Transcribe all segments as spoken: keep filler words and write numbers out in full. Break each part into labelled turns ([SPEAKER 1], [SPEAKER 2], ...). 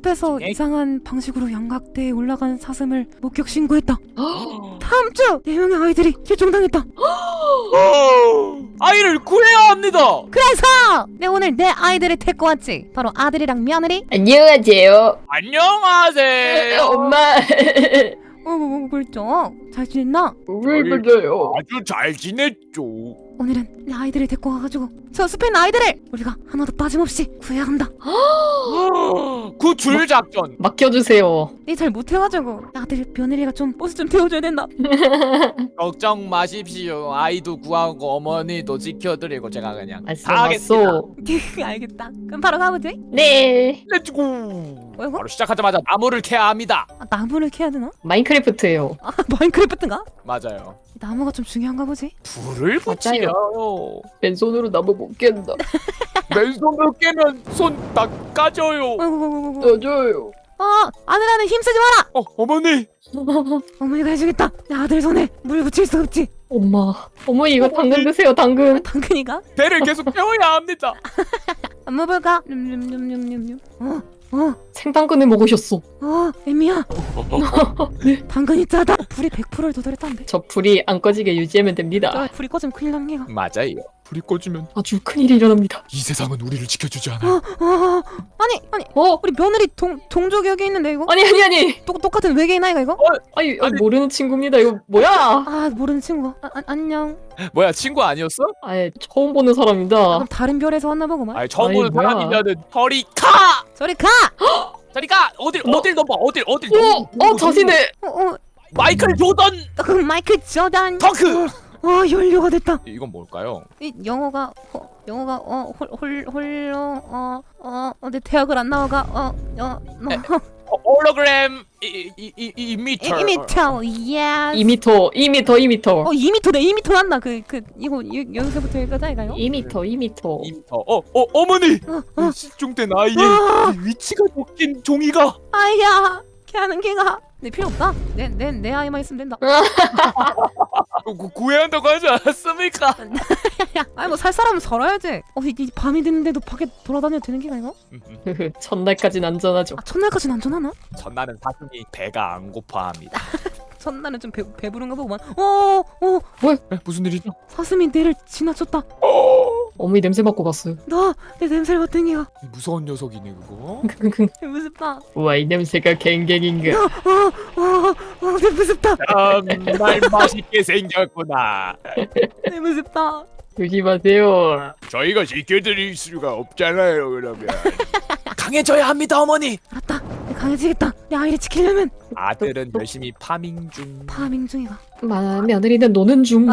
[SPEAKER 1] 숲에서
[SPEAKER 2] 에이.
[SPEAKER 1] 이상한 방식으로 양각대에 올라간 사슴을 목격 신고했다. 다음 주 네 명의 아이들이 실종당했다.
[SPEAKER 2] 아이를 구해야 합니다.
[SPEAKER 1] 그래서 내 오늘 내 아이들을 데리고 왔지. 바로 아들이랑 며느리.
[SPEAKER 3] 안녕하세요.
[SPEAKER 2] 안녕하세요.
[SPEAKER 3] 엄마.
[SPEAKER 1] 어머 꿀쩍 잘 지냈나?
[SPEAKER 3] 왜 그래요?
[SPEAKER 2] 아주 잘 지냈죠.
[SPEAKER 1] 오늘은 내 아이들을 데리고 와가지고 저 숲에 있는 아이들을 우리가 하나도 빠짐없이 구해야 한다.
[SPEAKER 2] 그 줄 작전.
[SPEAKER 3] 맡겨주세요.
[SPEAKER 1] 이 잘 못해가지고 아들 며느리가 좀 버스 좀 태워줘야 된다.
[SPEAKER 2] 걱정 마십시오. 아이도 구하고 어머니도 지켜드리고 제가 그냥
[SPEAKER 3] 알았어,
[SPEAKER 2] 다 하겠습니다.
[SPEAKER 3] 알았어.
[SPEAKER 1] 알겠다. 그럼 바로 가보지.
[SPEAKER 3] 네.
[SPEAKER 2] 렛츠고.
[SPEAKER 1] 뭐야 이거?
[SPEAKER 2] 바로 시작하자마자 나무를 캐야 합니다.
[SPEAKER 1] 아, 나무를 캐야 되나?
[SPEAKER 3] 마인크래프트예요.
[SPEAKER 1] 아 마인크래프트인가?
[SPEAKER 2] 맞아요.
[SPEAKER 1] 이 나무가 좀 중요한가 보지?
[SPEAKER 2] 불을 붙이려.
[SPEAKER 3] 맨손으로 나무 못 깬다.
[SPEAKER 2] 맨손으로 깨면 손 다 까져요.
[SPEAKER 1] 아이고 아이고 아이고.
[SPEAKER 3] 떠줘요.
[SPEAKER 1] 어 아들아는 힘쓰지 마라.
[SPEAKER 2] 어, 어머니.
[SPEAKER 1] 어머니가 해주겠다. 내 아들 손에 물 붙일 수 없지.
[SPEAKER 3] 엄마. 어머니 이거 당근 드세요. 당근.
[SPEAKER 1] 당근이가?
[SPEAKER 2] 배를 계속 태워야 합니다.
[SPEAKER 1] 안 먹을까? 냠냠냠냠냠. 어, 어,
[SPEAKER 3] 생당근을 먹으셨어.
[SPEAKER 1] 어, 애미야. 당근이 짜다. 불이 백 퍼센트를 도달했다는데.
[SPEAKER 3] 저 불이 안 꺼지게 유지하면 됩니다.
[SPEAKER 1] 저 불이 꺼지면 큰일 나는 게가.
[SPEAKER 2] 맞아요. 불이 꺼지면
[SPEAKER 3] 아주 큰일이 일어납니다.
[SPEAKER 2] 이 세상은 우리를 지켜주지 않아.
[SPEAKER 1] 어, 어, 아니, 아니,
[SPEAKER 3] 어?
[SPEAKER 1] 우리 며느리 동 동족이 여기 있는데 이거?
[SPEAKER 3] 아니 아니 아니.
[SPEAKER 1] 똑 똑같은 외계인 아이가 이거?
[SPEAKER 3] 아니,
[SPEAKER 2] 아니.
[SPEAKER 3] 모르는 친구입니다. 이거 뭐야?
[SPEAKER 1] 아 모르는 친구. 아, 아, 안녕.
[SPEAKER 2] 뭐야, 친구 아니었어?
[SPEAKER 3] 아예 처음 보는
[SPEAKER 1] 아,
[SPEAKER 3] 사람입니다.
[SPEAKER 1] 그럼 다른 별에서 왔나 보구만.
[SPEAKER 2] 아니, 처음
[SPEAKER 3] 아이,
[SPEAKER 2] 보는
[SPEAKER 3] 뭐야.
[SPEAKER 2] 사람이면은 저리 가!
[SPEAKER 1] 저리 가.
[SPEAKER 2] 저리 가! 어딜
[SPEAKER 3] 너-
[SPEAKER 2] 어딜 넘어? 어딜 어딜
[SPEAKER 3] 어,
[SPEAKER 2] 넘어?
[SPEAKER 3] 어 자신의
[SPEAKER 1] 어, 어,
[SPEAKER 2] 마이클 조던
[SPEAKER 1] 그 마이클 조단.
[SPEAKER 2] 덩크!
[SPEAKER 1] 어, 어, 연료가 됐다.
[SPEAKER 2] 이건 뭘까요?
[SPEAKER 1] 이 영어가 어, 영어가 어홀홀 홀로 어어 근데 대학을 안 나와가 어어
[SPEAKER 2] 어, 홀로그램 이, 이, 이, 이, 이미터.
[SPEAKER 1] 이미터 예스
[SPEAKER 3] 이 미터, 이 미터, 이 미터.
[SPEAKER 1] 어 이 미터네 이 미터 난다 그 그 이거 여- 여기서부터 여기까지 아이가요?
[SPEAKER 3] 이 미터, 이 미터.
[SPEAKER 2] 이미터. 어, 어, 어머니!
[SPEAKER 1] 어, 어.
[SPEAKER 2] 실종된 아이의
[SPEAKER 1] 아.
[SPEAKER 2] 위치가 적힌 종이가.
[SPEAKER 1] 아야 걔하는 걔가 내 필요 없다 내 내 내 아이만 있으면 된다
[SPEAKER 2] 구, 구해야 한다고 하지 않았습니까?
[SPEAKER 1] 아니 뭐 살 사람은 살아야지 어 이, 이 밤이 됐는데도 밖에 돌아다녀도 되는 게가 이거?
[SPEAKER 3] 첫날까진 안전하죠.
[SPEAKER 1] 아 첫날까지는 안전하나?
[SPEAKER 2] 전나는 사슴이 배가 안 고파합니다.
[SPEAKER 1] 첫날은 좀 배, 배부른가 보구만 어어
[SPEAKER 2] 에, 무슨 일이죠?
[SPEAKER 1] 사슴이 내를 지나쳤다
[SPEAKER 3] 어머니 냄새 맡고 갔어요.
[SPEAKER 1] 나 내 냄새를 맡은 게가
[SPEAKER 2] 무서운 녀석이네 그거.
[SPEAKER 1] 무섭다
[SPEAKER 3] 우와 이 냄새가 갱갱인가.
[SPEAKER 1] 어어어 무섭다
[SPEAKER 2] 정말 맛있게 생겼구나.
[SPEAKER 1] 네, 무섭다
[SPEAKER 3] 조심하세요.
[SPEAKER 2] 저희가 지켜드릴 수가 없잖아요. 그러면 강해져야 합니다, 어머니.
[SPEAKER 1] 알았다 내 강해지겠다 내 아이를 지키려면
[SPEAKER 2] 아들은 열심히 파밍 중.
[SPEAKER 1] 파밍 중이가
[SPEAKER 3] 마 며느리는 노는 중.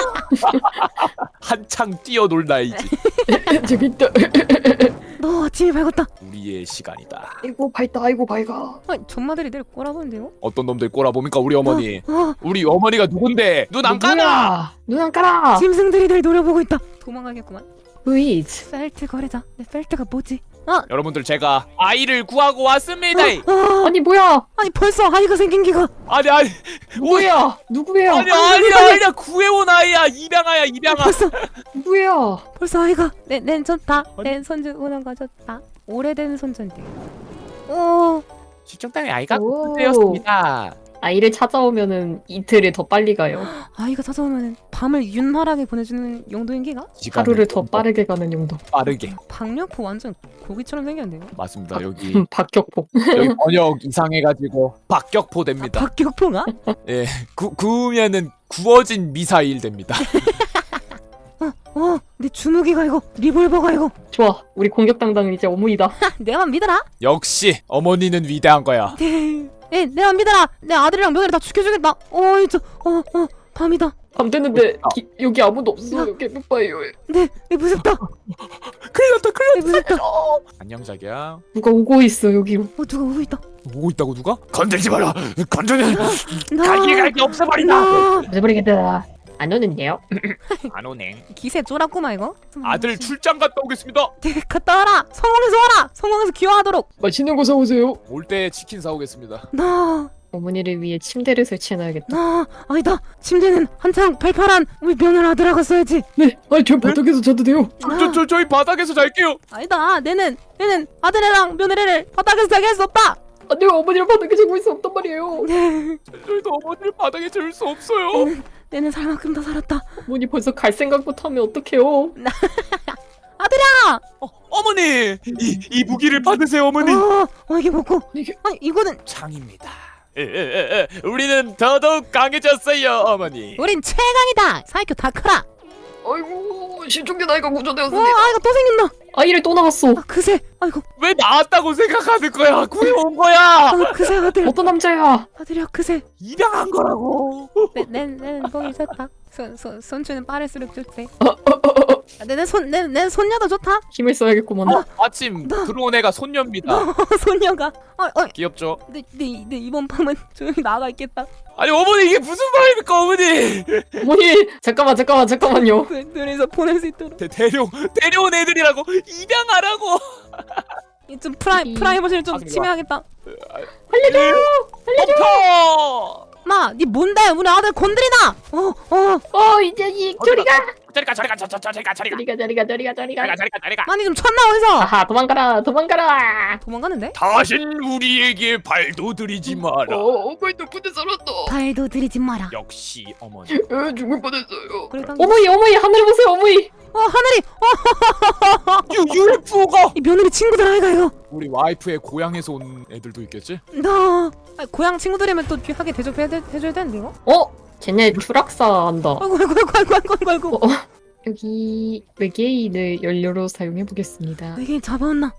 [SPEAKER 2] 한창 뛰어놀 나이지.
[SPEAKER 3] 저기 있다.
[SPEAKER 1] 너 아침이 밝았다
[SPEAKER 2] 우리의 시간이다.
[SPEAKER 3] 아이고 밝다. 아이고 밝아.
[SPEAKER 1] 아니 전마들이 내를 꼬라보는데요?
[SPEAKER 2] 어떤 놈들 꼬라보니까 우리 어머니.
[SPEAKER 1] 어,
[SPEAKER 2] 우리 어머니가 누군데? 눈 안 까나?
[SPEAKER 3] 눈 안 까라.
[SPEAKER 1] 짐승들이 날 노려보고 있다 도망가겠구만
[SPEAKER 3] Wait.
[SPEAKER 1] 펠트 거래자 내 펠트가 뭐지?
[SPEAKER 2] 여러분들 제가 아이를 구하고 왔습니다.
[SPEAKER 1] 어,
[SPEAKER 3] 아니 뭐야?
[SPEAKER 1] 아니 벌써 아이가 생긴 기가
[SPEAKER 2] 아니 아니
[SPEAKER 3] 뭐야? 누구예요?
[SPEAKER 2] 아니 아니야 아니야 구해온 아이야. 입양아야 입양아.
[SPEAKER 1] 벌써
[SPEAKER 3] 누구예요?
[SPEAKER 1] 벌써 아이가 내 낸쳤다 내 손주 운원 가졌다 오래된 손주인데 오
[SPEAKER 2] 실종당의 아이가
[SPEAKER 3] 오.
[SPEAKER 2] 되었습니다.
[SPEAKER 3] 아이를 찾아오면은 이틀을 더 빨리 가요.
[SPEAKER 1] 아이가 찾아오면 밤을 윤활하게 보내주는 용도인 기가?
[SPEAKER 3] 하루를 더 빠르게 가는 용도.
[SPEAKER 2] 빠르게.
[SPEAKER 1] 박력포 완전 고기처럼 생겼는데요
[SPEAKER 2] 맞습니다. 여기
[SPEAKER 3] 음, 박격포.
[SPEAKER 2] 여기 번역 이상해가지고 박격포 됩니다.
[SPEAKER 1] 박격포가?
[SPEAKER 2] 예, 구 구우면은 구워진 미사일 됩니다.
[SPEAKER 1] 어, 내 주무기가 이거 리볼버가 이거
[SPEAKER 3] 좋아. 우리 공격 당당은 이제 어머니다.
[SPEAKER 1] 내만 믿어라
[SPEAKER 2] 역시 어머니는 위대한 거야.
[SPEAKER 1] 네, 네 내만 믿어라 내 아들이랑 며느리 다 죽여주겠다 어이 저어어 밤이다
[SPEAKER 3] 밤 됐는데 기, 여기 아무도 없어. 개빡봐요.
[SPEAKER 1] 네, 네 무섭다
[SPEAKER 2] 큰일 났다 큰일
[SPEAKER 1] 네 무섭다
[SPEAKER 2] 안녕 자기야.
[SPEAKER 3] 누가 오고 있어 여기로.
[SPEAKER 1] 어 누가 오고 있다
[SPEAKER 2] 오고 있다고 누가? 건들지 마라. 건드면
[SPEAKER 1] 나
[SPEAKER 2] 갈길 갈길 없애버린다.
[SPEAKER 1] 나
[SPEAKER 3] 잊어버리겠다. 안 오는데요?
[SPEAKER 2] 안 오네.
[SPEAKER 1] 기세 쫄았구만 이거
[SPEAKER 2] 아들 출장 갔다 오겠습니다.
[SPEAKER 1] 네, 갔다 와라 성공해서 와라 성공해서 귀화하도록
[SPEAKER 3] 맛있는 거 사오세요.
[SPEAKER 2] 올 때 치킨 사오겠습니다.
[SPEAKER 1] 나
[SPEAKER 3] 어머니를 위해 침대를 설치해놔야겠다.
[SPEAKER 1] 아, 아니다. 침대는 한창 팔팔한 우리 며느라 아들아가 써야지.
[SPEAKER 3] 네, 아니 저 바닥에서 자도 돼요.
[SPEAKER 2] 저, 저, 저, 저희 바닥에서 잘게요.
[SPEAKER 1] 아니다. 내는 내는 아들애랑 며느리를 바닥에서 자게 할 수 없다.
[SPEAKER 3] 안돼, 어머니를 바닥에 자고 있어 없단 말이에요.
[SPEAKER 2] 저희도 어머니를 바닥에 재울 수 없어요.
[SPEAKER 1] 내는 살 만큼 다 살았다.
[SPEAKER 3] 어머니 벌써 갈 생각부터 하면 어떡해요?
[SPEAKER 1] 아들아.
[SPEAKER 2] 어, 어머니, 이, 이 무기를 받으세요, 어머니.
[SPEAKER 1] 어, 어 이게 뭐고?
[SPEAKER 3] 이게
[SPEAKER 1] 아니 이거는
[SPEAKER 2] 창입니다. 에, 에, 에, 에. 우리는 더더욱 강해졌어요, 어머니.
[SPEAKER 1] 우린 최강이다. 사이큐 다크라.
[SPEAKER 3] 아이고 신중된 아이가
[SPEAKER 1] 와,
[SPEAKER 3] 구조되었습니다.
[SPEAKER 1] 아이가 또 생겼나?
[SPEAKER 3] 아이를 또 나왔어.
[SPEAKER 1] 아, 그새. 아이고,
[SPEAKER 2] 왜 나왔다고 생각하는 거야? 구해온 거야.
[SPEAKER 1] 아, 그새 아들.
[SPEAKER 3] 어떤 남자야?
[SPEAKER 1] 아들이야, 그새.
[SPEAKER 2] 입양한 거라고.
[SPEAKER 1] 내, 내, 내는 똥이 좋다. 손, 손, 손주는 빠를수록 좋대. 아, 내, 내 손, 내, 내 손녀도 좋다.
[SPEAKER 3] 힘을 써야겠구만.
[SPEAKER 2] 어, 마침 들어온 애가 손녀입니다.
[SPEAKER 1] 어, 손녀가. 어, 어,
[SPEAKER 2] 귀엽죠?
[SPEAKER 1] 내, 내, 내 이번 밤은 조용히 나가 있겠다.
[SPEAKER 2] 아니 어머니 이게 무슨 말입니까 어머니?
[SPEAKER 3] 어머니 잠깐만 잠깐만 잠깐만요.
[SPEAKER 1] 둘, 둘이서 보낼 수 있도록.
[SPEAKER 2] 대, 데려 데려온 애들이라고 입양하라고.
[SPEAKER 1] 이 좀 프라이,
[SPEAKER 3] 이-
[SPEAKER 1] 프라이버시를 좀
[SPEAKER 2] 하지마.
[SPEAKER 1] 침해하겠다.
[SPEAKER 3] 알려줘요.
[SPEAKER 2] 덮어.
[SPEAKER 1] 마, 니 뭔데? 우리 아들 건드리나? 어, 어.
[SPEAKER 3] 어 이 자식 저리가.
[SPEAKER 2] 저리가 저리가 저, 저, 저리가 저리가
[SPEAKER 3] 저리가 저리가 저리가 저리가.
[SPEAKER 2] 저리가 저리가 저리가.
[SPEAKER 1] 많이 좀 쳤나 어디서?
[SPEAKER 3] 아하 도망가라 도망가라.
[SPEAKER 1] 도망가는데?
[SPEAKER 2] 다신 우리에게 발도 들이지 마라.
[SPEAKER 3] 어 어머니 덕분에 살았다.
[SPEAKER 1] 발도 들이지 마라.
[SPEAKER 2] 역시 어머니.
[SPEAKER 3] 에 죽을 뻔했어요.
[SPEAKER 1] 그래, 당겨.
[SPEAKER 3] 어머니 어머니 하늘 보세요 어머니.
[SPEAKER 1] 어, 하늘이.
[SPEAKER 2] 유 유에프오가.
[SPEAKER 1] 이 며느리 친구들 아이가 이거.
[SPEAKER 2] 우리 와이프의 고향에서 온 애들도 있겠지?
[SPEAKER 1] 나 아니, 고향 친구들이면 또 귀하게 대접해 해줘야 되는데 이거?
[SPEAKER 3] 어 쟤네 추락사 한다.
[SPEAKER 1] 아이고 아이고 아이고 아이고 아이고 아이고.
[SPEAKER 3] 어, 여기 외계인을 연료로 사용해 보겠습니다.
[SPEAKER 1] 외계인 잡아왔나?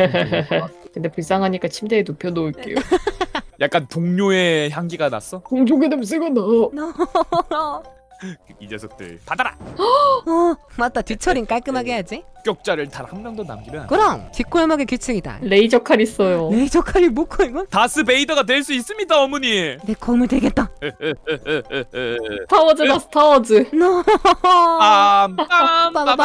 [SPEAKER 3] 근데 불쌍하니까 침대에 눕혀 놓을게요.
[SPEAKER 2] 약간 동료의 향기가 났어?
[SPEAKER 3] 공중의 냄새가 나.
[SPEAKER 1] 나.
[SPEAKER 2] 이 녀석들 받아라.
[SPEAKER 1] 어 맞다 뒤처리는 깔끔하게 해야지.
[SPEAKER 2] 격자를 단 한 명도 남기면 안 돼.
[SPEAKER 1] 그럼 뒷골목의 규칙이다.
[SPEAKER 3] 레이저 칼 있어요.
[SPEAKER 1] 레이저 칼이 뭐고 이건?
[SPEAKER 2] 다스 베이더가 될 수 있습니다 어머니.
[SPEAKER 1] 내 검을 되겠다.
[SPEAKER 3] 스타워즈다 스타워즈.
[SPEAKER 1] 너.
[SPEAKER 2] 빰빰빰빰빰.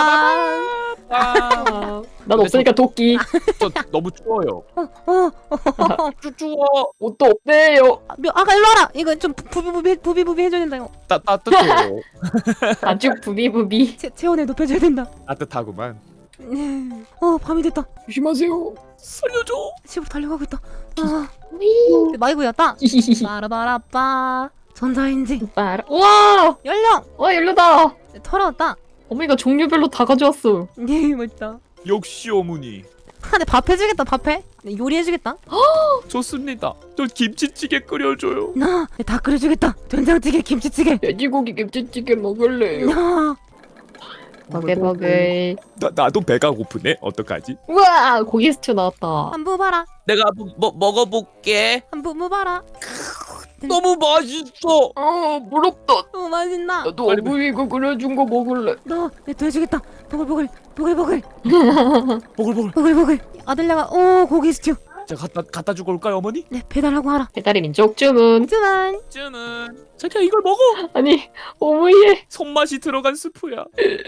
[SPEAKER 3] 아, 난 없으니까 도끼.
[SPEAKER 2] 저 너무 추워요.
[SPEAKER 1] 어.
[SPEAKER 2] 쭈쭈워.
[SPEAKER 3] 옷도 없대요.
[SPEAKER 1] 아, 며, 아가 일로 와라. 이거 좀 부비부비 부비부비 해줘야 된다 이거.
[SPEAKER 2] 따 따뜻해요.
[SPEAKER 3] 아주 부비부비.
[SPEAKER 1] 체, 체온을 높여줘야 된다.
[SPEAKER 2] 따뜻하구만.
[SPEAKER 1] 어 밤이 됐다.
[SPEAKER 3] 조심하세요.
[SPEAKER 2] 살려줘.
[SPEAKER 1] 집으로 달려가고 있다. 아
[SPEAKER 3] 위.
[SPEAKER 1] 마이구였다. 빠라바라빠. 전자레인지
[SPEAKER 3] 빠라. 와,
[SPEAKER 1] 열려.
[SPEAKER 3] 와 열려다.
[SPEAKER 1] 털어왔다.
[SPEAKER 3] 어머니가 종류별로 다 가져왔어.
[SPEAKER 1] 예 멋있다.
[SPEAKER 2] 역시 어머니.
[SPEAKER 1] 아, 내 밥 해주겠다. 밥해. 요리해주겠다.
[SPEAKER 2] 좋습니다. 저 김치찌개 끓여줘요.
[SPEAKER 1] 나 다 끓여주겠다. 된장찌개, 김치찌개.
[SPEAKER 3] 돼지고기 김치찌개 먹을래요.
[SPEAKER 1] 야,
[SPEAKER 3] 버글버글.
[SPEAKER 2] 나 나도 배가 고프네. 어떡하지?
[SPEAKER 3] 우와, 고기 스튜 나왔다.
[SPEAKER 1] 한부 봐라.
[SPEAKER 2] 내가 뭐, 뭐 먹어볼게.
[SPEAKER 1] 한부 무 봐라.
[SPEAKER 2] 너무 맛있어.
[SPEAKER 3] 아, 부럽다.
[SPEAKER 1] 너무 맛있나?
[SPEAKER 3] 나도
[SPEAKER 2] 빨리
[SPEAKER 3] 어머니가 끓여준 거 먹을래.
[SPEAKER 1] 너내또 해주겠다. 보글보글, 보글보글,
[SPEAKER 2] 보글보글.
[SPEAKER 1] 보글보글. 아들내가 오 고기 스튜.
[SPEAKER 2] 제가 갖다 갖다 주고 올까요 어머니?
[SPEAKER 1] 네 배달하고 하라.
[SPEAKER 3] 배달의 민족 주문.
[SPEAKER 1] 하지만
[SPEAKER 2] 쯔는 자기야 이걸 먹어.
[SPEAKER 3] 아니, 어머니의
[SPEAKER 2] 손맛이 들어간 스프야.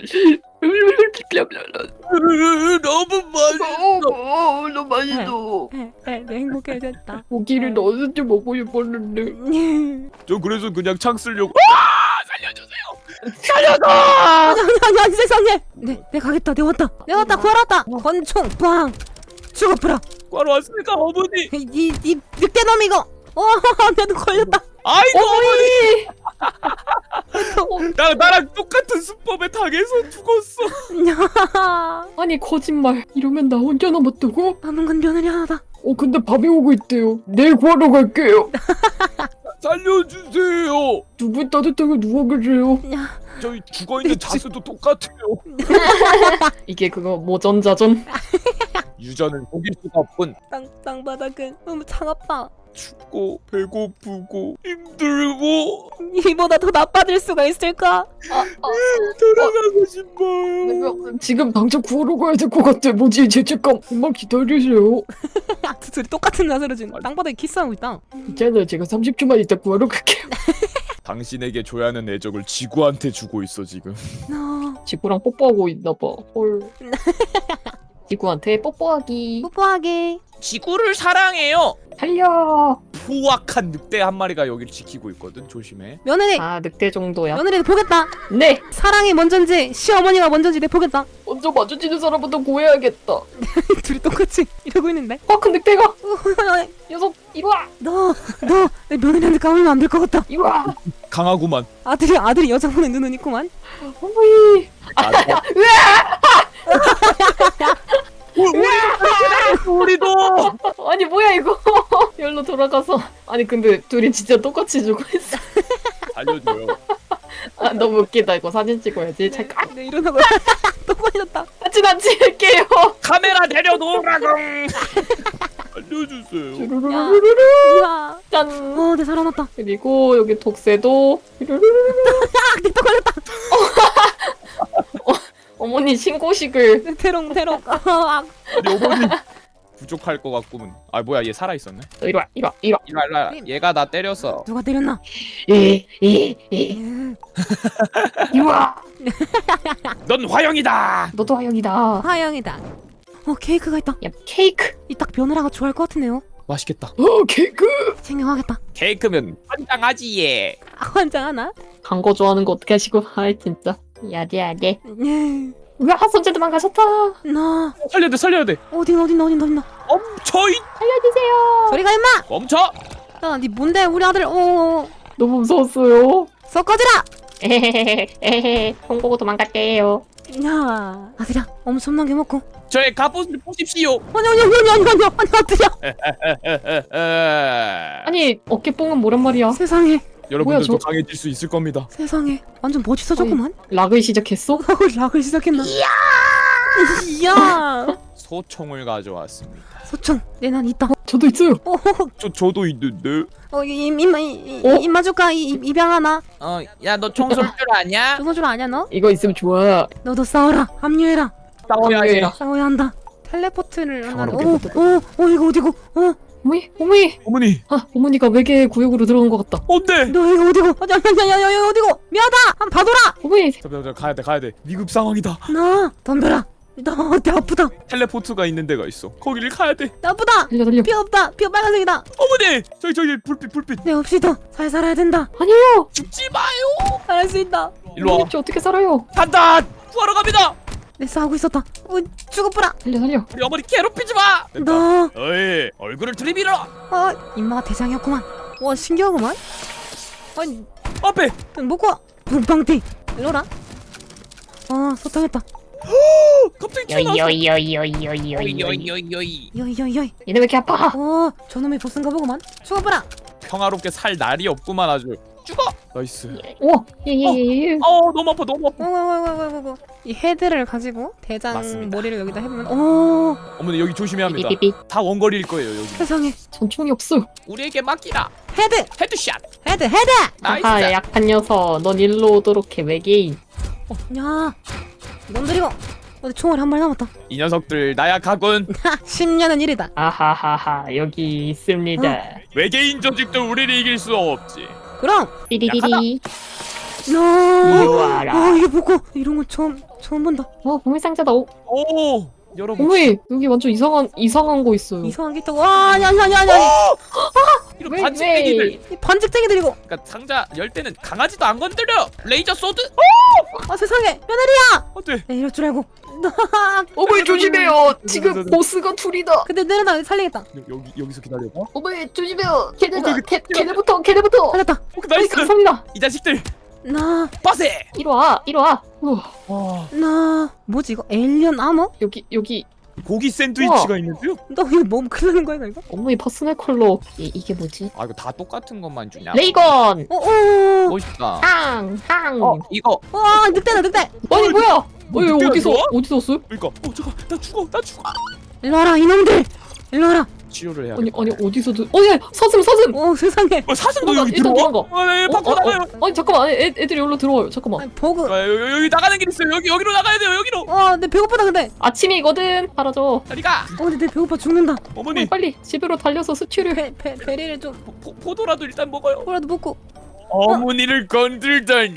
[SPEAKER 2] 너무 맛있어.
[SPEAKER 3] 어, 너무 맛있어.
[SPEAKER 1] 네, 네, 네 행복해졌다.
[SPEAKER 3] 고기를 넣어서 좀 먹고 싶었는데.
[SPEAKER 2] 저 그래서 그냥 창 쓰려고.
[SPEAKER 1] 아니 아니 아니 세상에. 네, 내 가겠다. 내 왔다. 내 왔다. 구하러 왔다. 권총 빵. 죽어버려.
[SPEAKER 2] 과로 왔으니까 어머니.
[SPEAKER 1] 이, 이 늑대놈 이거. 어, 나도 걸렸다.
[SPEAKER 2] 아이고 어머니.
[SPEAKER 3] 어머니!
[SPEAKER 2] 나 나랑 똑같은 수법에 당해서 죽었어.
[SPEAKER 3] 아니, 거짓말. 이러면 나 혼자 남았다고?
[SPEAKER 1] 남은 건 며느리 하나다.
[SPEAKER 3] 어, 근데 밥이 오고 있대요. 내일 구하러 갈게요.
[SPEAKER 2] 살려주세요.
[SPEAKER 3] 두 분 따뜻하게 누워 계세요.
[SPEAKER 1] 야,
[SPEAKER 2] 저희 죽어 있는 자세도 똑같아요.
[SPEAKER 3] 이게 그거 모전자전?
[SPEAKER 2] 유저는 속일 수가 없군.
[SPEAKER 1] 땅 땅바닥은 너무 차갑다.
[SPEAKER 2] 춥고 배고프고 힘들고
[SPEAKER 1] 이보다 더 나빠질 수가 있을까?
[SPEAKER 2] 돌아가고 싶어요.
[SPEAKER 3] 내가 지금 당장 구하러 가야 될 것 같아. 뭐지, 죄책감. 정말 기다리세요.
[SPEAKER 1] 두 둘이 똑같은 자세로 지금 땅바닥에 키스하고 있다.
[SPEAKER 3] 있잖아요, 제가 삼십 초만 있다 구하러 갈게요.
[SPEAKER 2] 당신에게 줘야 하는 애적을 지구한테 주고 있어 지금.
[SPEAKER 1] 너
[SPEAKER 3] 지구랑 뽀뽀하고 있나봐. 헐. 지구한테 뽀뽀하기.
[SPEAKER 1] 뽀뽀하게.
[SPEAKER 2] 지구를 사랑해요.
[SPEAKER 3] 달려.
[SPEAKER 2] 후악한 늑대 한 마리가 여기를 지키고 있거든. 조심해.
[SPEAKER 1] 며느리
[SPEAKER 3] 아 늑대 정도야.
[SPEAKER 1] 며느리 보겠다.
[SPEAKER 3] 네.
[SPEAKER 1] 사랑이 먼저인지 시어머니가 먼저인지 내 보겠다.
[SPEAKER 3] 먼저 마주치는 사람부터 구해야겠다.
[SPEAKER 1] 둘이 똑같이 이러고 있는데.
[SPEAKER 3] 어, 큰 늑대가. 녀석 이리 와.
[SPEAKER 1] 너너 내 며느리한테 까불면 안 될 것 같다.
[SPEAKER 3] 이리 와.
[SPEAKER 2] 강하구만.
[SPEAKER 1] 아들이 아들이 여자분의 눈은 있구만.
[SPEAKER 3] 어머니.
[SPEAKER 2] 우리도
[SPEAKER 3] 아니 뭐야 이거. 열로 돌아가서. 아니 근데 둘이 진짜 똑같이 죽어 있어.
[SPEAKER 2] 알려줘요.
[SPEAKER 3] 아 너무 웃기다. 이거 사진 찍어야지. 잠깐.
[SPEAKER 1] 네 이러다가 또 걸렸다.
[SPEAKER 3] 사진 안 찍을게요.
[SPEAKER 2] 카메라 내려놓으라고. 알려주세요.
[SPEAKER 3] 쭈루루루루루.
[SPEAKER 1] 야,
[SPEAKER 3] 짠.
[SPEAKER 1] 어내 살아났다.
[SPEAKER 3] 그리고 여기 독새도. 쭈루루루루.
[SPEAKER 1] 내또 걸렸다.
[SPEAKER 3] 어, 어머니 신고식을.
[SPEAKER 1] 대롱 대롱. 아,
[SPEAKER 2] 아니 어머니 부족할 것 같구만. 아 뭐야 얘 살아 있었네.
[SPEAKER 3] 너 이리 와. 이리 와. 이리 와.
[SPEAKER 2] 이리 와, 이리 와. 얘가 나 때렸어.
[SPEAKER 1] 누가 때렸나?
[SPEAKER 3] 이, 이, 이.
[SPEAKER 1] 예.
[SPEAKER 3] 이리 와.
[SPEAKER 2] 넌 화영이다.
[SPEAKER 3] 너도 화영이다.
[SPEAKER 1] 화영이다. 어 케이크가 있다.
[SPEAKER 3] 야 케이크.
[SPEAKER 1] 이 딱 며느라가 좋아할 것 같은데요.
[SPEAKER 2] 맛있겠다.
[SPEAKER 3] 어 케이크.
[SPEAKER 1] 챙겨가겠다.
[SPEAKER 2] 케이크면 환장하지 얘.
[SPEAKER 1] 아, 환장하나?
[SPEAKER 3] 간 거 좋아하는 거 어떻게 하시고. 아이 진짜. 야돼 야돼.
[SPEAKER 1] 예.
[SPEAKER 3] 왜 하선제 도망가셨다.
[SPEAKER 1] 나
[SPEAKER 2] 살려야 돼 살려야 돼.
[SPEAKER 1] 어디 어디 어디 어디 나
[SPEAKER 2] 멈춰 이
[SPEAKER 3] 살려주세요.
[SPEAKER 1] 저리가 임마.
[SPEAKER 2] 멈춰.
[SPEAKER 1] 야니 뭔데 우리 아들 어
[SPEAKER 3] 너무 무서웠어요.
[SPEAKER 1] 섞어지라.
[SPEAKER 3] 에헤헤헤 에헤헤. 홍보고 도망갈게요.
[SPEAKER 1] 야 아들아 엄청나게 먹고.
[SPEAKER 2] 저의 갑옷을 보십시오.
[SPEAKER 1] 아니 아니 아니 아니 아니 아니 아니 아들이야.
[SPEAKER 3] 아니 어깨뽕은 뭐란 말이야.
[SPEAKER 1] 세상에
[SPEAKER 2] 여러분들도
[SPEAKER 3] 뭐야, 저-
[SPEAKER 2] 강해질 수 있을 겁니다.
[SPEAKER 1] 세상에 완전 멋있어졌구만.
[SPEAKER 3] 락을 시작했어?
[SPEAKER 1] 락을 시작했나? 이야 이야
[SPEAKER 2] 소총을 가져왔습니다.
[SPEAKER 1] 소총 내난 있다.
[SPEAKER 3] 저도 있어요.
[SPEAKER 1] 어,
[SPEAKER 2] 저 저도 있는데.
[SPEAKER 1] 어, 이- 임, 임마, 이, 이,
[SPEAKER 3] 어?
[SPEAKER 1] 임마 줄까? 이, 이- 입양 하나?
[SPEAKER 2] 어, 야 너 총 쏠 줄 아냐?
[SPEAKER 1] 조선줄 아냐, 너?
[SPEAKER 3] 이거 있으면 좋아.
[SPEAKER 1] 너도 싸워라. 합류해라.
[SPEAKER 2] 싸워야지.
[SPEAKER 1] 싸워야 한다. 텔레포트를 하나.
[SPEAKER 3] 평화롭게
[SPEAKER 1] 오, 오, 오, 이거 어디고? 어,
[SPEAKER 3] 어머니 어머니.
[SPEAKER 2] 어머니,
[SPEAKER 3] 아 어머니가 외계 구역으로 들어간 것 같다.
[SPEAKER 2] 안돼.
[SPEAKER 1] 너 이거 어디고? 아, 야, 야, 야, 야, 야, 어디고? 미안하다. 한번 봐둬라.
[SPEAKER 3] 어머니.
[SPEAKER 2] 잠깐 잠깐 가야 돼 가야 돼. 위급 상황이다.
[SPEAKER 1] 너 덤벼라. 너 어때? 아프다.
[SPEAKER 2] 텔레포트가 있는 데가 있어. 거기를 가야 돼.
[SPEAKER 1] 나쁘다.
[SPEAKER 3] 달려 달려.
[SPEAKER 1] 피 없다. 피 빨간색이다.
[SPEAKER 2] 어머니, 저기 저기 불빛 불빛.
[SPEAKER 1] 내 없이 더잘 살아야 된다.
[SPEAKER 3] 아니에요.
[SPEAKER 2] 죽지 마요.
[SPEAKER 1] 잘할 수 있다.
[SPEAKER 2] 일로 와.
[SPEAKER 3] 어머니 저 어떻게 살아요?
[SPEAKER 2] 판단. 구하러 갑니다.
[SPEAKER 1] 내 싸우고 있었다. 어, 죽어보라.
[SPEAKER 3] 달려 달려.
[SPEAKER 2] 우리 어머니 괴롭히지 마. 됐다.
[SPEAKER 1] 너,
[SPEAKER 2] 어이, 얼굴을 들이밀어.
[SPEAKER 1] 어, 임마가 대장이었구만. 와, 신기하구만. 아니,
[SPEAKER 2] 앞에.
[SPEAKER 1] 먹고 와. 붕빵띠. 이러라. 아, 소탕했다.
[SPEAKER 2] 갑자기 튀어나왔어.
[SPEAKER 3] 요이요이요이요이요이.
[SPEAKER 2] 요이요이요이.
[SPEAKER 1] 여이, 여이, 여이.
[SPEAKER 3] 얘네 왜 이렇게 아파?
[SPEAKER 1] 어, 저놈의 보스인가 보구만. 죽어보라.
[SPEAKER 2] 평화롭게 살 날이 없구만 아주. 죽어. 나이스.
[SPEAKER 3] 오 예예예.
[SPEAKER 2] 어 너무 아파 너무 아파.
[SPEAKER 1] 어어어어어어. 이 헤드를 가지고 대장
[SPEAKER 2] 맞습니다.
[SPEAKER 1] 머리를 여기다 해보면, 오,
[SPEAKER 2] 어머니 여기 조심해야 합니다.
[SPEAKER 3] 삐삐삐.
[SPEAKER 2] 다 원거리일 거예요 여기.
[SPEAKER 1] 세상에.
[SPEAKER 3] 전총이 없어요.
[SPEAKER 2] 우리에게 맡기라.
[SPEAKER 1] 헤드,
[SPEAKER 2] 헤드샷.
[SPEAKER 1] 헤드, 헤드.
[SPEAKER 2] 나이스.
[SPEAKER 3] 아하 약한 녀석. 넌 일로 오도록 해 외계인.
[SPEAKER 1] 어, 야, 놈들이고. 어디 총알이 한 발 남았다.
[SPEAKER 2] 이 녀석들 나약하군.
[SPEAKER 1] 하, 십 년은 일이다.
[SPEAKER 3] 아하하하 여기 있습니다.
[SPEAKER 2] 외계인 조직들 우리를 이길 수 없지.
[SPEAKER 1] 그럼,
[SPEAKER 3] 삐리리리.
[SPEAKER 1] 너.
[SPEAKER 3] 이리 와라.
[SPEAKER 1] 아, 이게 뭐고? 이런 거 처음 처음 본다.
[SPEAKER 3] 어 보물상자다. 오
[SPEAKER 2] 오 여러분.
[SPEAKER 3] 어머니 여기 완전 이상한 이상한 거 있어요.
[SPEAKER 1] 이상한 게 있다고. 와, 아니 아니 아니 아니. 아니.
[SPEAKER 2] 이런
[SPEAKER 3] 왜,
[SPEAKER 2] 반칙배기들.
[SPEAKER 3] 왜?
[SPEAKER 1] 이 반직쟁이들이고.
[SPEAKER 2] 그러니까 상자 열 때는 강아지도 안 건드려. 레이저 소드.
[SPEAKER 1] 아, 세상에. 며느리야.
[SPEAKER 2] 어때?
[SPEAKER 1] 내 이럴 줄 알고.
[SPEAKER 3] 어머니 조심해요. 지금 보스가 둘이다.
[SPEAKER 1] 근데 내려놔 살리겠다.
[SPEAKER 2] 여기 여기서 기다려봐.
[SPEAKER 3] 어머니 조심해요. 걔네가
[SPEAKER 2] 어, 그,
[SPEAKER 3] 걔 걔네부터 걔네부터.
[SPEAKER 1] 살렸다.
[SPEAKER 2] 오,
[SPEAKER 3] 아이
[SPEAKER 2] 나이스.
[SPEAKER 3] 감사합니다.
[SPEAKER 2] 이 자식들.
[SPEAKER 1] 나,
[SPEAKER 2] 빠세.
[SPEAKER 3] 이리 와 이리 와. 우와,
[SPEAKER 2] 와.
[SPEAKER 1] 나 뭐지 이거? 에일리언 아머?
[SPEAKER 3] 여기 여기
[SPEAKER 2] 고기 샌드위치가 있는데요?
[SPEAKER 1] 너 이거 몸 큰일 나는 거야 이거?
[SPEAKER 3] 어머니 퍼스널 컬러. 이 이게 뭐지?
[SPEAKER 2] 아 이거 다 똑같은 것만 주냐?
[SPEAKER 3] 레이건.
[SPEAKER 1] 어, 어,
[SPEAKER 2] 멋있다.
[SPEAKER 3] 항 항.
[SPEAKER 2] 어 이거.
[SPEAKER 1] 와 늑대다 늑대.
[SPEAKER 3] 아니 뭐야?
[SPEAKER 2] 뭐
[SPEAKER 3] 어, 이거
[SPEAKER 2] 늑대가
[SPEAKER 3] 어디서
[SPEAKER 2] 들어와?
[SPEAKER 3] 어디서 왔어요?
[SPEAKER 2] 그러니까. 어 잠깐 나 죽어 나 죽어.
[SPEAKER 1] 일로 와라 이놈들. 일로 와라.
[SPEAKER 2] 치료를 해야
[SPEAKER 3] 아니
[SPEAKER 2] 돼.
[SPEAKER 3] 아니 어디서 들? 어야 서슴 서슴.
[SPEAKER 1] 오 세상에.
[SPEAKER 2] 어 사슴도
[SPEAKER 3] 도망가,
[SPEAKER 2] 여기
[SPEAKER 3] 일단
[SPEAKER 2] 들어와?
[SPEAKER 3] 도망가.
[SPEAKER 2] 어, 네, 밖으로
[SPEAKER 3] 어, 어,
[SPEAKER 2] 나가요.
[SPEAKER 3] 어, 아니 잠깐만 애, 애들이 여기로 들어와요. 잠깐만.
[SPEAKER 1] 아니 버그.
[SPEAKER 2] 아, 여기, 여기 나가는 길 있어요. 여기 여기로 나가야 돼요. 여기로.
[SPEAKER 1] 와, 내 배고프다 근데.
[SPEAKER 3] 아침이거든. 사라져.
[SPEAKER 2] 빨리 가.
[SPEAKER 1] 어, 근데 내 배고파 죽는다.
[SPEAKER 2] 어머니
[SPEAKER 3] 빨리 집으로 달려서 수출을 해.
[SPEAKER 1] 배, 배, 베리를 좀
[SPEAKER 2] 포, 포, 포도라도 일단 먹어요.
[SPEAKER 1] 뭐라도 먹고.
[SPEAKER 2] 어머니를 건들다니.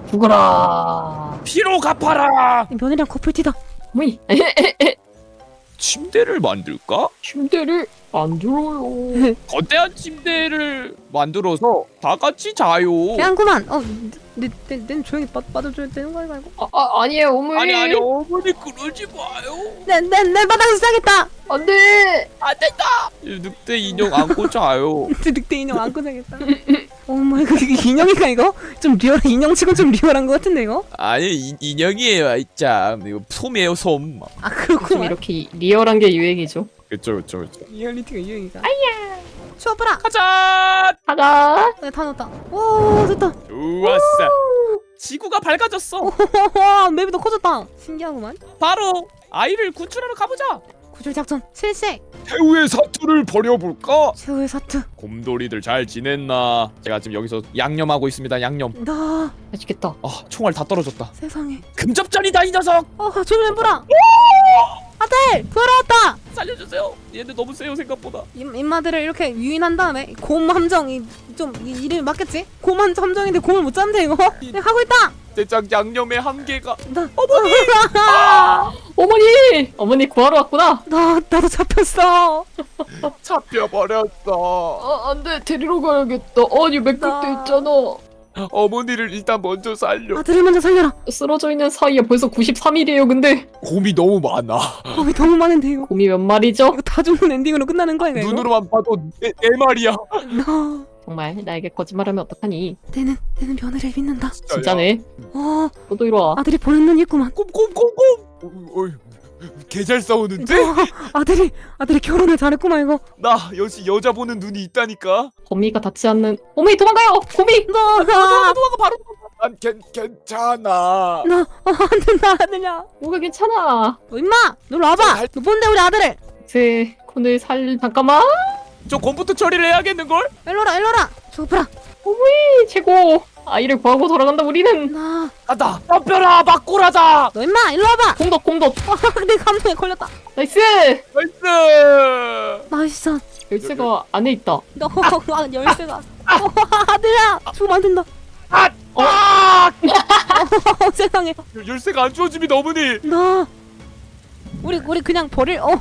[SPEAKER 3] 죽어라.
[SPEAKER 2] 피로 갚아라.
[SPEAKER 1] 이 며느리랑 커플티다.
[SPEAKER 3] 어머니.
[SPEAKER 2] 침대를 만들까?
[SPEAKER 3] 침대를 만들어요.
[SPEAKER 2] 거대한 침대를 만들어서 다 같이 자요.
[SPEAKER 1] 그냥구만. 어내내 조용히 빠, 빠져줘야 되는 거 아닌가 이거?
[SPEAKER 3] 아, 아 아니에요 어머니.
[SPEAKER 2] 아니 아니 어머니 그러지 마요.
[SPEAKER 1] 내내내 바닥에서 자겠다.
[SPEAKER 3] 안돼.
[SPEAKER 2] 안 된다. 늑대 인형 안고 자요.
[SPEAKER 1] 늑대 인형 안고 자겠다. 오 마이 갓 이게 인형인가 이거? 좀 리얼 인형치고 좀 리얼한 거 같은데 이거?
[SPEAKER 2] 아니 이, 인형이에요. 이참 이거 솜이에요 솜.
[SPEAKER 1] 아
[SPEAKER 3] 요즘
[SPEAKER 1] 그렇구만.
[SPEAKER 3] 이렇게 리얼한 게 유행이죠.
[SPEAKER 2] 그쵸 그쵸 그쵸.
[SPEAKER 1] 리얼리티가 유행이다. 아야. 추워봐라.
[SPEAKER 2] 가자.
[SPEAKER 3] 가자.
[SPEAKER 1] 네, 다 넣었다. 오 됐다.
[SPEAKER 2] 좋았어. 지구가 밝아졌어.
[SPEAKER 1] 와 맵이 더 커졌다. 신기하구만.
[SPEAKER 2] 바로 아이를 구출하러 가보자.
[SPEAKER 1] 구출 작전 실시.
[SPEAKER 2] 최후의 사투를 벌여볼까?
[SPEAKER 1] 최후의 사투.
[SPEAKER 2] 곰돌이들 잘 지냈나? 제가 지금 여기서 양념하고 있습니다. 양념.
[SPEAKER 1] 나
[SPEAKER 3] 맛있겠다.
[SPEAKER 2] 아 총알 다 떨어졌다.
[SPEAKER 1] 세상에.
[SPEAKER 2] 금접전이다 이 녀석.
[SPEAKER 1] 어 조심해 보라. 아들 돌아왔다.
[SPEAKER 2] 살려주세요. 얘네 너무 세요 생각보다.
[SPEAKER 1] 임, 임마들을 이렇게 유인한 다음에 곰 함정이 좀 이, 이름이 맞겠지? 곰 함- 함정인데 곰을 못 잡는데 이거? 내가 하고 있다.
[SPEAKER 2] 대장 양념의 한계가.
[SPEAKER 1] 나 어머니. 아,
[SPEAKER 3] 어머니. 어머니 구하러 왔구나.
[SPEAKER 1] 나 나도 잡혔어.
[SPEAKER 2] 잡혀버렸어.
[SPEAKER 3] 아 안돼 데리러 가야겠다. 아니 맥북도
[SPEAKER 1] 나-
[SPEAKER 3] 있잖아.
[SPEAKER 2] 어머니를 일단 먼저 살려.
[SPEAKER 1] 아들을 먼저 살려라.
[SPEAKER 3] 쓰러져 있는 사이에 벌써 구십삼 일이에요. 근데
[SPEAKER 2] 곰이 너무 많아.
[SPEAKER 1] 곰이 너무 많은데 이거.
[SPEAKER 3] 곰이 몇 마리죠?
[SPEAKER 1] 이거 다 죽는 엔딩으로 끝나는 거야 이거?
[SPEAKER 2] 눈으로만 봐도 네, 네 마리야.
[SPEAKER 1] 나
[SPEAKER 3] 정말 나에게 거짓말하면 어떡하니?
[SPEAKER 1] 내는 내는 며느리를 믿는다.
[SPEAKER 3] 진짜네.
[SPEAKER 1] 어
[SPEAKER 3] 너도 이리 와.
[SPEAKER 1] 아들이 보는 눈이 있구만.
[SPEAKER 2] 곰곰곰곰. 개잘 싸우는데?
[SPEAKER 1] 어, 아들이 아들이 결혼을 잘했구만 이거.
[SPEAKER 2] 나 역시 여자 보는 눈이 있다니까.
[SPEAKER 3] 거미가 닿지 않는. 어머니 도망가요. 곰이.
[SPEAKER 1] 너 나.
[SPEAKER 2] 도망가 바로. 난 괜, 괜찮아.
[SPEAKER 1] 나, 어, 안 된다, 아들야.
[SPEAKER 3] 뭐가 괜찮아.
[SPEAKER 1] 너 임마! 너 일로 와봐! 너 뭔데, 우리 아들을!
[SPEAKER 3] 제 오늘 살 잠깐만.
[SPEAKER 2] 저 컴퓨터 처리를 해야겠는걸?
[SPEAKER 1] 일로 와라, 일로 와라! 줘봐라!
[SPEAKER 3] 어머니 최고. 아이를 구하고 돌아간다 우리는.
[SPEAKER 1] 나,
[SPEAKER 2] 간다. 덤벼라 막고라다.
[SPEAKER 1] 너 임마! 일로 와봐!
[SPEAKER 3] 공덕 공덕.
[SPEAKER 1] 아, 내 감동에 걸렸다.
[SPEAKER 3] 나이스.
[SPEAKER 2] 나이스.
[SPEAKER 1] 맛있어.
[SPEAKER 3] 열쇠가 안에 있다.
[SPEAKER 1] 너, 아, 열쇠가. 어, 아들야! 죽으면 안 된다.
[SPEAKER 2] 아! 아!
[SPEAKER 1] 어, 세상에.
[SPEAKER 2] 열- 열쇠가 안 주어짐이 너무니.
[SPEAKER 1] 나. 우리, 우리 그냥 버릴, 어,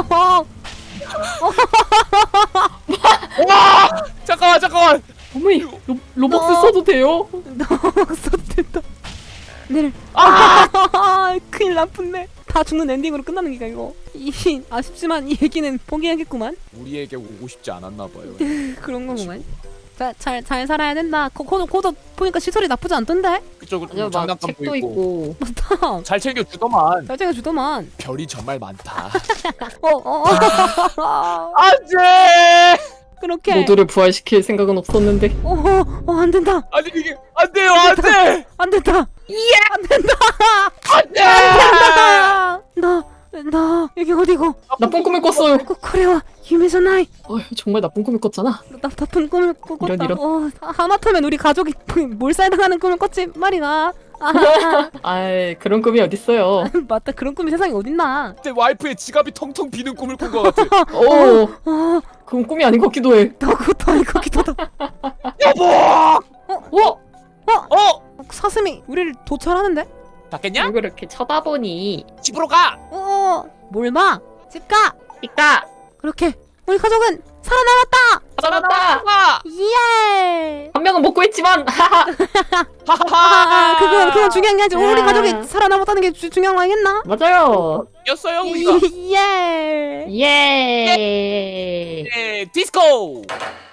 [SPEAKER 2] 와! 잠깐만 잠깐만.
[SPEAKER 3] 어머니 로, 로벅스
[SPEAKER 1] 너-
[SPEAKER 3] 써도 돼요?
[SPEAKER 1] 너, 썼댔다. 내를.
[SPEAKER 2] 아!
[SPEAKER 1] 아, 큰일 나쁜데. 다 죽는 엔딩으로 끝나는 기가 이거. 이, 아쉽지만 이 얘기는 포기하겠구만.
[SPEAKER 2] 우리에게 오고 싶지 않았나 봐요.
[SPEAKER 1] 그런 거구만. 자, 잘, 잘 살아야 된다. 코, 코도, 코도 보니까 시설이 나쁘지 않던데?
[SPEAKER 2] 그쪽
[SPEAKER 3] 아니요 막
[SPEAKER 2] 장난감도
[SPEAKER 3] 책도
[SPEAKER 2] 있고.
[SPEAKER 3] 있고.
[SPEAKER 1] 맞다.
[SPEAKER 2] 잘 챙겨 주더만.
[SPEAKER 1] 잘 챙겨주더만.
[SPEAKER 2] 별이 정말 많다.
[SPEAKER 1] 어, 어, 어.
[SPEAKER 2] 안돼.
[SPEAKER 1] 그렇게.
[SPEAKER 3] 모두를 부활시킬 생각은 없었는데.
[SPEAKER 1] 어, 어, 어, 안 된다.
[SPEAKER 2] 아니 이게 안 돼요 안돼.
[SPEAKER 1] 안 된다. 예! 안 된다.
[SPEAKER 2] 안돼.
[SPEAKER 1] 아, 나, 나, 여기 어디고?
[SPEAKER 3] 나쁜 꿈을 꿨어요.
[SPEAKER 1] 코, 코레와 유미잖아이.
[SPEAKER 3] 어휴, 정말 나쁜 꿈을 꿨잖아.
[SPEAKER 1] 나 나쁜 꿈을 꾸- 꿨다.
[SPEAKER 3] 이런, 이런.
[SPEAKER 1] 어, 하마터면 우리 가족이 몰살당하는 꿈을 꿨지 말이야. 아,
[SPEAKER 3] 아이 그런 꿈이 어딨어요.
[SPEAKER 1] 맞다. 그런 꿈이 세상에 어딨나?
[SPEAKER 2] 내 와이프의 지갑이 텅텅 비는 꿈을 꾼 것 같아.
[SPEAKER 3] 오,
[SPEAKER 1] 어,
[SPEAKER 3] 그건 꿈이 아닌 것 같기도 해.
[SPEAKER 1] 나 그것도 아니고 기도다.
[SPEAKER 2] 여보.
[SPEAKER 3] 어?
[SPEAKER 2] 어?
[SPEAKER 1] 사슴이 우리를 도찰하는데?
[SPEAKER 2] 닫겠냐?
[SPEAKER 3] 왜 그렇게 쳐다보니?
[SPEAKER 2] 집으로 가.
[SPEAKER 1] 어, 뭘 봐? 집 가.
[SPEAKER 3] 이까
[SPEAKER 1] 그렇게 우리 가족은 살아남았다.
[SPEAKER 3] 살았다.
[SPEAKER 2] 가.
[SPEAKER 1] 예.
[SPEAKER 3] 한 명은 못 구했지만 하하.
[SPEAKER 1] 아, 그건 그건 중요한 게 아니지. 우리
[SPEAKER 3] 아.
[SPEAKER 1] 가족이 살아남았다는 게 주, 중요한 거 아니겠나?
[SPEAKER 3] 맞아요.
[SPEAKER 2] 이겼어요 우리가.
[SPEAKER 1] 예.
[SPEAKER 3] 예.
[SPEAKER 2] 예, 디스코.